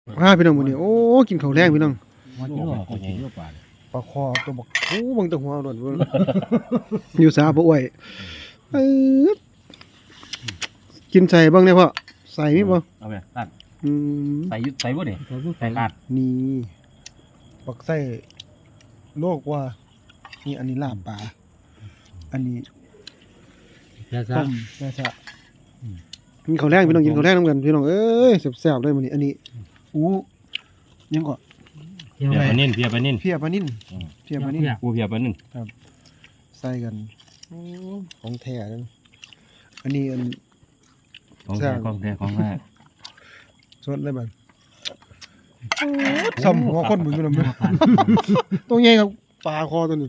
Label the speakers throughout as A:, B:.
A: พี่น้องมื้อนี้โอ้กินข้าวแรงพี่น้อง
B: มันกินก็กินเยอะกว่า
A: ปลาคอตัวบักโอ้เบิ่งแตะหัวโดนเบิ่งอยู่สาบ่อ้วยปึ๊ดกินใส่บ้างเนี่ยพ่อใส่มีบ่
B: เอาไปตัด
A: อืม
B: ใส่ยุดใส่บ่เนี่ยใส่ลาด
A: นี่ปักไส้โลกว่านี่อันนี้ลาบปลาอันนี้
B: แค่
A: ต้มแซ่บกินข้าวแรงพี่น้องกินข้าวแรงนำกันพี่น้องเอ้ยแซ่บๆเลยมื้อนี้อันนี้อู้ยังก็
B: เพียปลานิ่น
A: เพียปลานิ่นเพียปลานิ่น
B: ปูเพียปลานิ่น
A: ใส่กันของแท้นั่นอันนี้อัน
B: ของแท้ของแท้
A: สดเลยบัดซ้ำหัวคนบุญอยู่นำเด้อตัวใหญ่ครับปลาคอตัวนี้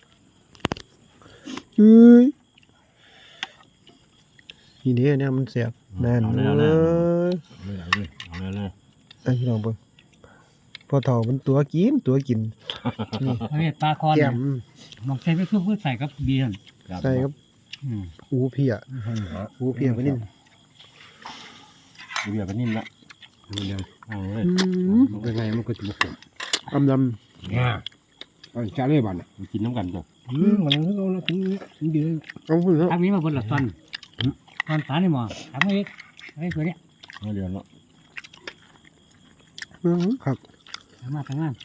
A: เฮ้ยนี่เด้เนี่ยมันแซ่บแน่นเลย
B: เอาเลย
A: ไอ้พี่น้องเบิ่งพอเฒ่ามันตัวกินนี่
C: เฮ้ยปลาคอน
A: แก้ม
C: มองใส่ไปเพื่อใส่กับเบียร์
A: ใส่ครับหูเพียไปนิ่ม
B: ปูเพียปลานิ่นละเอาเลย
D: เป็นไงมันก็จะบุก
A: อำด
D: เนี่ยเอาจะเลยบ้าน
B: กินน้ำกันจ้ะ
D: มันคือเรากินดี
A: ำเอาพุ่นเนาะ
C: ทางนี้มาบนหลักตอนปลาในหม้อทำไอ้ตัวเนี้ย
B: เอาเดือนละ
A: ครับ
C: ทำงาน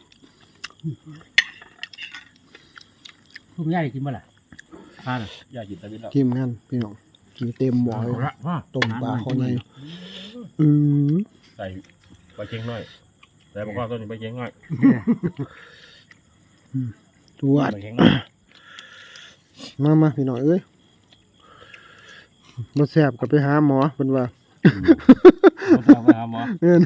C: คุณย่ากินบ่ล่ะปลาน่ะ
B: อย่าหยิบตะวินแล้ว
A: ทีมงานพี่น้องกินเต็มหม้อเลยต้มปลาคอใหญ่อ
B: ใส่ปลาเค็งน้อยใส่ปลาคอตัวนี้ปลาเค็งน้อย
A: ตรวจ
B: ปลาเค็งน้อย
A: มาพี่น้องเอ้ยบ่แซ่บก็ไปหาหมอเพิ่นว่า
B: เอาไปหาหมอ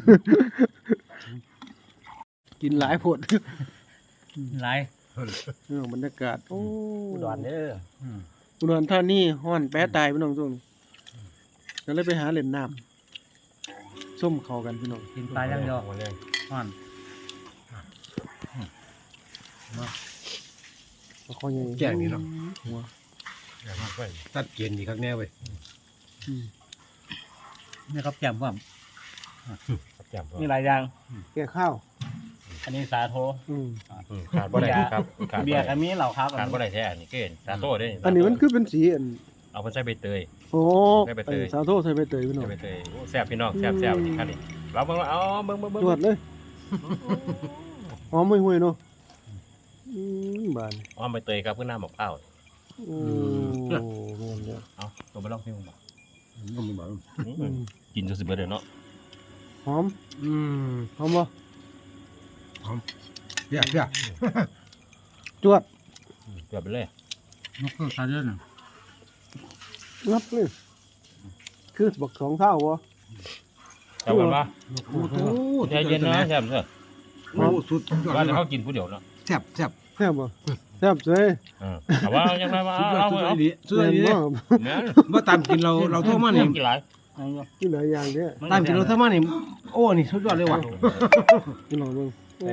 A: กินหลายโพด
C: หลาย
A: พี่น้องบรรยากาศโอ้
B: อุดรเด้อ
A: อุดรธานีฮ้อนแปะตายพี่น้องช่วงนี้ก็เลยไปหาเล่นน้ำส้มเข้ากันพี่น้อง
C: กินปลาย่างยอ
B: มาเลย
C: อ่อน
A: ปลาคอใหญ่
D: แจ้งนี่เนาะ
A: หัว
B: อย่ามาไป
D: ตัดเกณฑ์ดีครับแน่เว้ย
C: นี่ครับแจ่มว่า
B: จับ
C: มีหลายอย่าง
A: แก่ข้าว
C: อันนี้สาโท
B: ขาดบ่ได้ครับขาด
C: เบียร์อันนี้เหล่าครับ
B: ขาดบ่ได้แท้นี่เกินสาโต้เด้
A: อันนี้มันคือเป็นสีอัน
B: เอาไปใส่ใบเตย
A: โอ้
B: ใส่ใบเตย
A: สาโทใส่ใบเตยพี่น้อง
B: ใส่ใบเตยโอ้แซ่บพี่น้องแซ่บนี่ครับนี่เราเบิ่งเอาเบิ่ง
A: ตรวจเลยหอมห่วยๆเนาะบาน
B: อ๋อใบเตยครับเพื่อน้ำมะพร้าว
A: โอ้แม่นเด้อ
B: เอาตัวไปลองเพลงบ่
D: ก็มีบ้าง
B: กินจนสิเบิดเลยเนาะ
A: หอมหอมบ่
D: เปียก
A: จวด
B: เกือบไปเลย
C: นกก็ตาเดือน
A: งับเลยคือบัก2เท่าบ่
B: จับกันปะ
D: โอ้โห
B: ใจเย็นนะแซ่บเถอะ
D: โอ้สุดยอด
B: ว่าจะเขากินผู้เดียวเนาะ
D: แซ่บ
A: แซ่บบ่แซ่บเจ้ย
B: แต่ว่ายังไงมา
D: สุดยอด
B: เอา
D: สุด
B: เอา
D: ดีสุดดี
A: แม่น
B: เนี่ย
D: ว่าตามกินเราโทษมาเนี่ย
B: กินหลาย
A: กินหลายอย่างเด้อ
D: ตามกินเราโทษมาเนี่ยโอ้นี่สุดยอดเลยว่ะ
A: กินหน่อยเบิ่งโอ้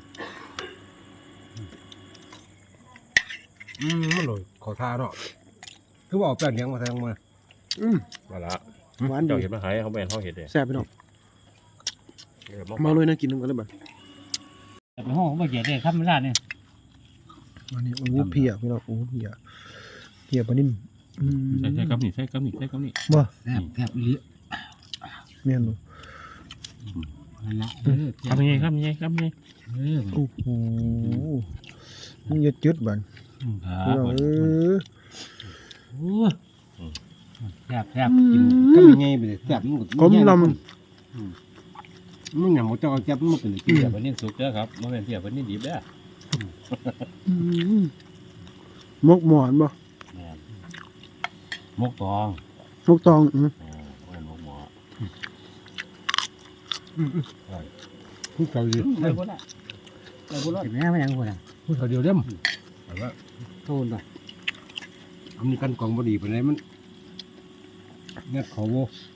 D: มันเลยขอทาเนาะคือว่าเอาแป้งเลี้ยงมาแทงมา
B: มาละ
A: หวานดี
B: เจ้าเห็ดมาหายเขาแม่นเขาเห็ดเลย
A: แซ่บพี่น้องมาเลยนะกินนำกันเลยบัด
C: แต่ไปห้องบ่เกียดเลยครับไม่ได้เนี่ย
A: อันนี้โอ้เพียพี่น้องโอ้เพียปลานิ่ม
B: ใช่ครับนี่ใช่ครับนี่ใช่ครับนี่
A: บ่
C: แซ่บลิ้
A: แม่นบ่
C: นั่นละ
B: ครับยังไงครับยังไงครับยังไง
A: โอ้โหมันยึดบัดพี่น้อง
C: แซ่บ
D: กินก็มีไงไปเลยแซ่บมัน
A: กลมลำ
D: มันอย่างหมดเจ้าแซ่บมันเป็น
B: เพียวันนี้สุกเด้อครับมันเป็นเพียวันนี้ดิบเด้อ
A: มกหมอนบ่
B: มกตอง
A: มกตอง
B: เป็นมกหมอ
D: ผู้เขาดี
C: เลยบ่ได้เลยบ่รอดแม่ไม่ยังบ่ได้
D: ผู้เขาเดียวเด้มแต่ว่า
C: โทนด้วย
D: อันนี้กันกองบดีเป็นไรมันเนี่ยเขาโว